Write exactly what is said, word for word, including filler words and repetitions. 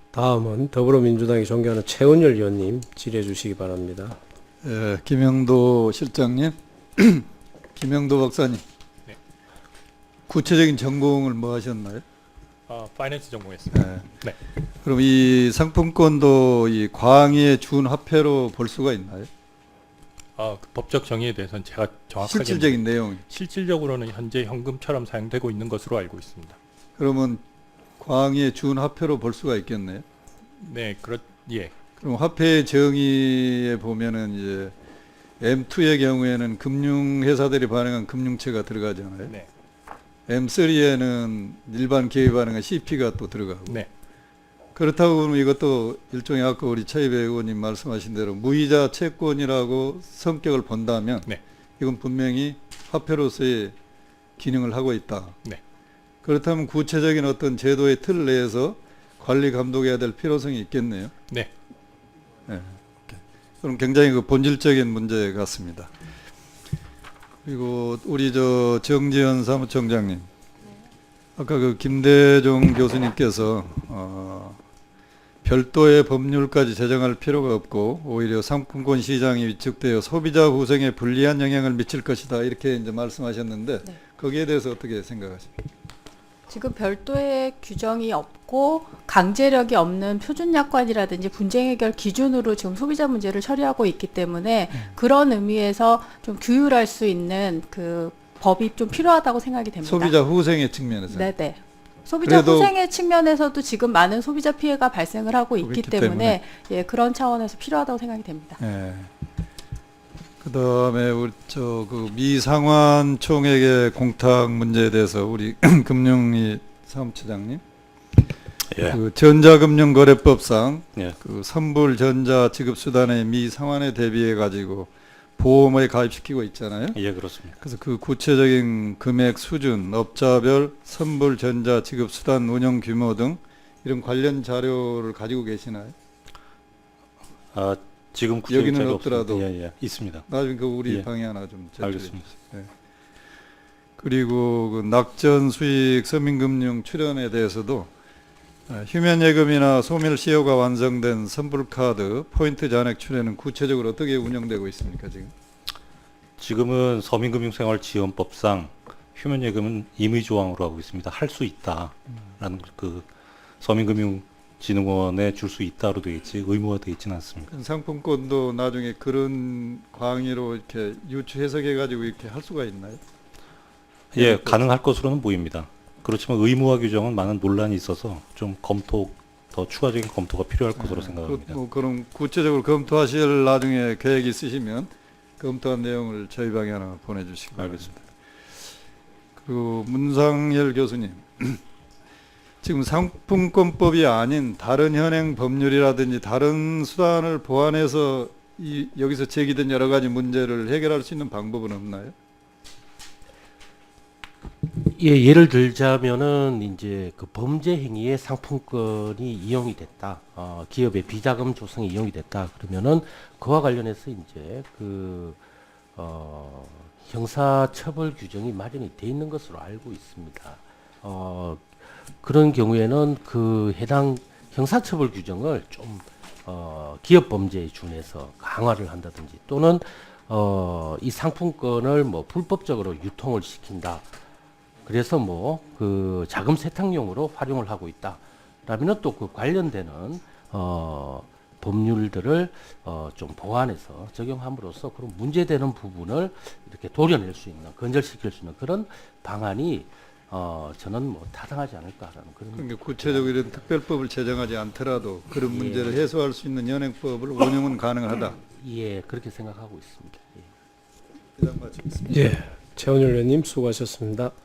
다음은 더불어민주당이 존경하는 최은열 의원님 질의해 주시기 바랍니다. 예, 김영도 실장님, 김영도 박사님. 네. 구체적인 전공을 뭐 하셨나요? 아, 파이낸스 전공했습니다. 예. 네. 그럼 이 상품권도 이 과항의 준 화폐로 볼 수가 있나요? 아, 그 법적 정의에 대해서는 제가 정확하게 실질적인 내용. 실질적으로는 현재 현금처럼 사용되고 있는 것으로 알고 있습니다. 그러면 과항의 준 화폐로 볼 수가 있겠네요. 네, 그렇 예. 그럼 화폐의 정의에 보면은 이제 엠 투의 경우에는 금융회사들이 발행한 금융채가 들어가잖아요. 네. 엠 쓰리에는 일반 기업이 발행한 씨피가 또 들어가고. 네. 그렇다고 보면 이것도 일종의 아까 우리 차이배 의원님 말씀하신 대로 무이자 채권이라고 성격을 본다면 네. 이건 분명히 화폐로서의 기능을 하고 있다. 네. 그렇다면 구체적인 어떤 제도의 틀 내에서 관리 감독해야 될 필요성이 있겠네요. 네. 네. 그럼 굉장히 그 본질적인 문제 같습니다. 그리고 우리 저 정지현 사무총장님, 아까 그 김대중 교수님께서 어, 별도의 법률까지 제정할 필요가 없고 오히려 상품권 시장이 위축되어 소비자 후생에 불리한 영향을 미칠 것이다 이렇게 이제 말씀하셨는데 네. 거기에 대해서 어떻게 생각하십니까? 지금 별도의 규정이 없고 강제력이 없는 표준약관이라든지 분쟁 해결 기준으로 지금 소비자 문제를 처리하고 있기 때문에 음. 그런 의미에서 좀 규율할 수 있는 그 법이 좀 필요하다고 생각이 됩니다. 소비자 후생의 측면에서. 네네. 소비자 그래도 후생의 측면에서도 지금 많은 소비자 피해가 발생을 하고 있기 그렇기 때문에, 때문에. 예, 그런 차원에서 필요하다고 생각이 됩니다. 예. 그다음에 우리 저 그 미상환 총액의 공탁 문제에 대해서 우리 금융위 사무처장님, 예. 그 전자금융거래법상 예. 그 선불 전자 지급 수단의 미상환에 대비해 가지고 보험에 가입시키고 있잖아요. 예, 그렇습니다. 그래서 그 구체적인 금액 수준, 업자별 선불 전자 지급 수단 운영 규모 등 이런 관련 자료를 가지고 계시나요? 아, 지금 구체적인 여기는 자료가 없더라도. 없습니다. 예, 예, 있습니다. 나중에 그 우리 예. 방에 하나 좀 제출해 알겠습니다. 주세요. 예. 그리고 그 낙전 수익 서민금융 출연에 대해서도 아, 휴면예금이나 소멸시효가 완성된 선불카드 포인트 잔액 출연은 구체적으로 어떻게 운영되고 있습니까 지금? 지금은 서민금융생활지원법상 휴면예금은 임의조항으로 하고 있습니다. 할 수 있다라는 그 서민금융진흥원에 줄 수 있다로 되어 있지 의무화 되어 있지는 않습니다. 그 상품권도 나중에 그런 광의로 이렇게 유추 해석해 가지고 이렇게 할 수가 있나요? 예, 네, 가능할 것으로는 보입니다. 그렇지만 의무화 규정은 많은 논란이 있어서 좀 검토 더 추가적인 검토가 필요할 것으로 네, 생각합니다. 그, 뭐 그럼 구체적으로 검토하실 나중에 계획 있으시면 검토한 내용을 저희 방에 하나 보내주시기 바랍니다. 알겠습니다. 그리고 문상열 교수님, 지금 상품권법이 아닌 다른 현행 법률이라든지 다른 수단을 보완해서 이 여기서 제기된 여러 가지 문제를 해결할 수 있는 방법은 없나요? 예, 예를 들자면은 이제 그 범죄 행위에 상품권이 이용이 됐다. 어, 기업의 비자금 조성이 이용이 됐다. 그러면은 그와 관련해서 이제 그 어, 형사처벌 규정이 마련이 돼 있는 것으로 알고 있습니다. 어, 그런 경우에는 그 해당 형사처벌 규정을 좀 어, 기업 범죄에 준해서 강화를 한다든지 또는 어, 이 상품권을 뭐 불법적으로 유통을 시킨다. 그래서 뭐 그 자금 세탁용으로 활용을 하고 있다. 라면은 또 그 관련되는 어 법률들을 어좀 보완해서 적용함으로써 그런 문제되는 부분을 이렇게 도려낼 수 있는 건절시킬 수 있는 그런 방안이 어 저는 뭐 타당하지 않을까라는 그런. 그러니까 구체적으로 이런 특별법을 제정하지 않더라도 그런 예. 문제를 해소할 수 있는 현행법을 운영은 가능하다. 예, 그렇게 생각하고 있습니다. 예. 이상 마치겠습니다. 예, 최은열 의원님 수고하셨습니다.